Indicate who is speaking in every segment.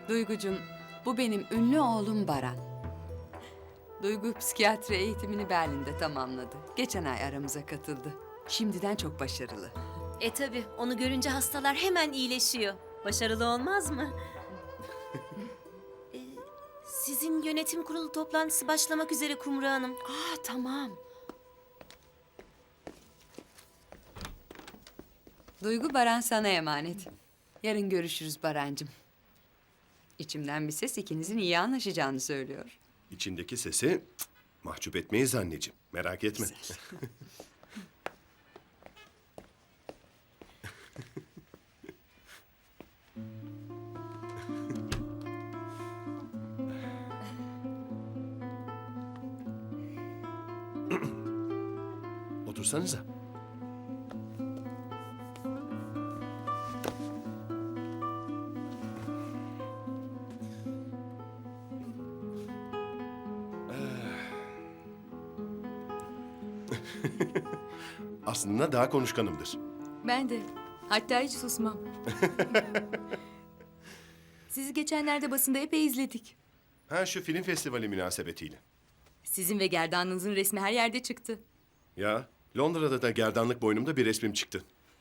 Speaker 1: Duygucum, bu benim ünlü oğlum Baran. Duygu psikiyatri eğitimini Berlin'de tamamladı. Geçen ay aramıza katıldı. Şimdiden çok başarılı.
Speaker 2: Tabii onu görünce hastalar hemen iyileşiyor. Başarılı olmaz mı? E, Sizin yönetim kurulu toplantısı başlamak üzere Kumru Hanım.
Speaker 1: Tamam. Duygu, Baran sana emanet. Yarın görüşürüz Barancığım. İçimden bir ses ikinizin iyi anlaşacağını söylüyor.
Speaker 3: İçindeki sesi mahcup etmeyiz anneciğim. Merak etme. Otursanıza. Aslında daha konuşkanımdır.
Speaker 4: Ben de. Hatta hiç susmam. Sizi geçenlerde basında epey izledik.
Speaker 3: Ha, şu film festivali münasebetiyle.
Speaker 4: Sizin ve gerdanlığınızın resmi her yerde çıktı.
Speaker 3: Ya, Londra'da da gerdanlık boynumda bir resmim çıktı.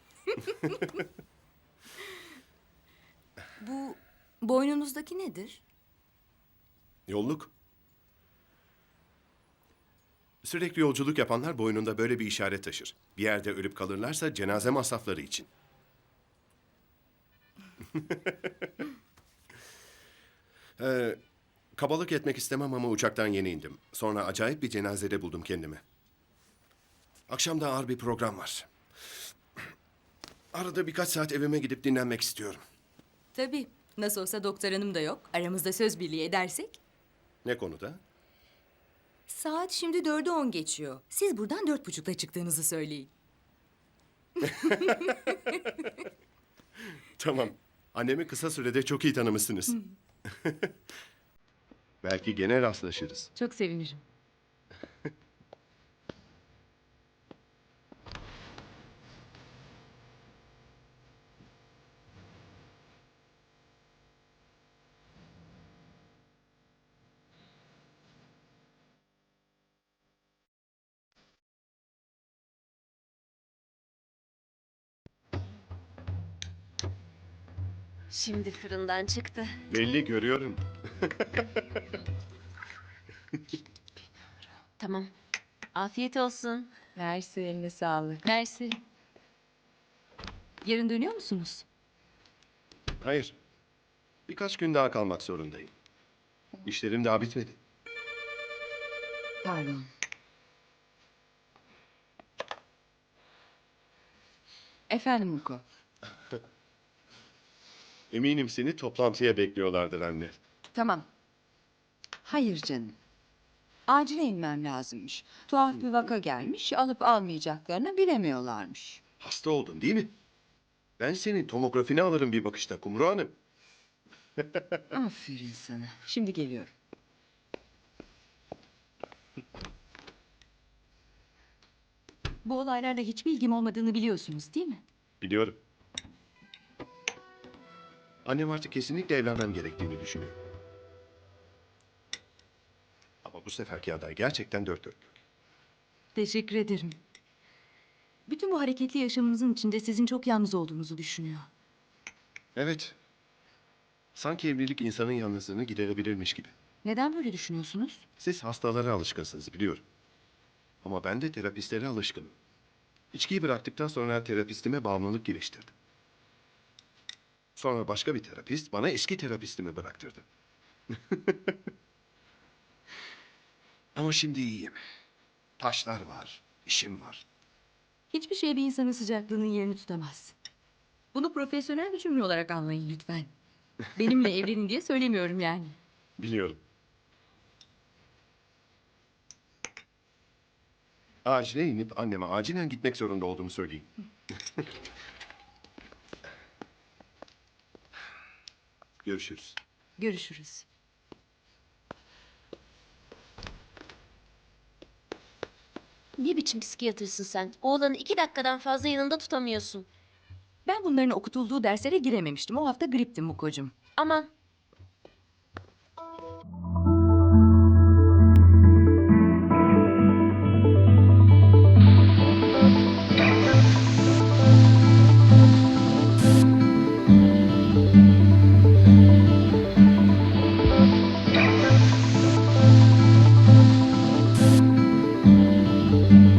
Speaker 4: Bu boynunuzdaki nedir?
Speaker 3: Yolluk. Sürekli yolculuk yapanlar boynunda böyle bir işaret taşır. Bir yerde ölüp kalırlarsa cenaze masrafları için. Kabalık etmek istemem ama uçaktan yeni indim. Sonra acayip bir cenazede buldum kendimi. Akşam da ağır bir program var. Arada birkaç saat evime gidip dinlenmek istiyorum.
Speaker 4: Tabii. Nasıl olsa doktor hanım da yok. Aramızda söz birliği edersek.
Speaker 3: Ne konuda?
Speaker 4: Saat şimdi 4'ü 10 geçiyor. Siz buradan 4.30'da çıktığınızı söyleyin.
Speaker 3: Tamam. Annemi kısa sürede çok iyi tanımışsınız. Belki gene rastlaşırız.
Speaker 4: Çok sevinirim.
Speaker 2: Şimdi fırından çıktı.
Speaker 3: Belli görüyorum.
Speaker 2: Tamam. Afiyet olsun.
Speaker 4: Mersi, eline sağlık. Mersi. Yarın dönüyor musunuz?
Speaker 3: Hayır. Birkaç gün daha kalmak zorundayım. İşlerim daha bitmedi.
Speaker 4: Pardon. Efendim Muko.
Speaker 3: Eminim seni toplantıya bekliyorlardır anne.
Speaker 5: Tamam. Hayır canım. Acile inmem lazımmış. Tuhaf bir vaka gelmiş, alıp almayacaklarını bilemiyorlarmış.
Speaker 3: Hasta oldun değil mi? Ben senin tomografini alırım bir bakışta Kumru Hanım.
Speaker 5: Aferin sana. Şimdi geliyorum. Bu olaylarla hiçbir ilgim olmadığını biliyorsunuz değil mi?
Speaker 3: Biliyorum. Annem artık kesinlikle evlenmem gerektiğini düşünüyor. Ama bu seferki aday gerçekten dört dörtlük.
Speaker 4: Teşekkür ederim. Bütün bu hareketli yaşamınızın içinde sizin çok yalnız olduğunuzu düşünüyor.
Speaker 3: Evet. Sanki evlilik insanın yalnızlığını giderebilirmiş gibi.
Speaker 5: Neden böyle düşünüyorsunuz?
Speaker 3: Siz hastalara alışkınsınız biliyorum. Ama ben de terapistlere alışkınım. İçkiyi bıraktıktan sonra terapistime bağımlılık geliştirdim. Sonra başka bir terapist bana eski terapistimi bıraktırdı. Ama şimdi iyiyim. Taşlar var, işim var.
Speaker 4: Hiçbir şey bir insanın sıcaklığının yerini tutamaz. Bunu profesyonel bir cümle olarak anlayın lütfen. Benimle evlenin diye söylemiyorum yani.
Speaker 3: Biliyorum. Acile inip anneme acilen gitmek zorunda olduğumu söyleyeyim. Görüşürüz.
Speaker 4: Görüşürüz.
Speaker 2: Ne biçim psikiyatrsın sen? Oğlanı 2 dakikadan fazla yanında tutamıyorsun.
Speaker 4: Ben bunların okutulduğu derslere girememiştim. O hafta griptim Muko'cum.
Speaker 2: Aman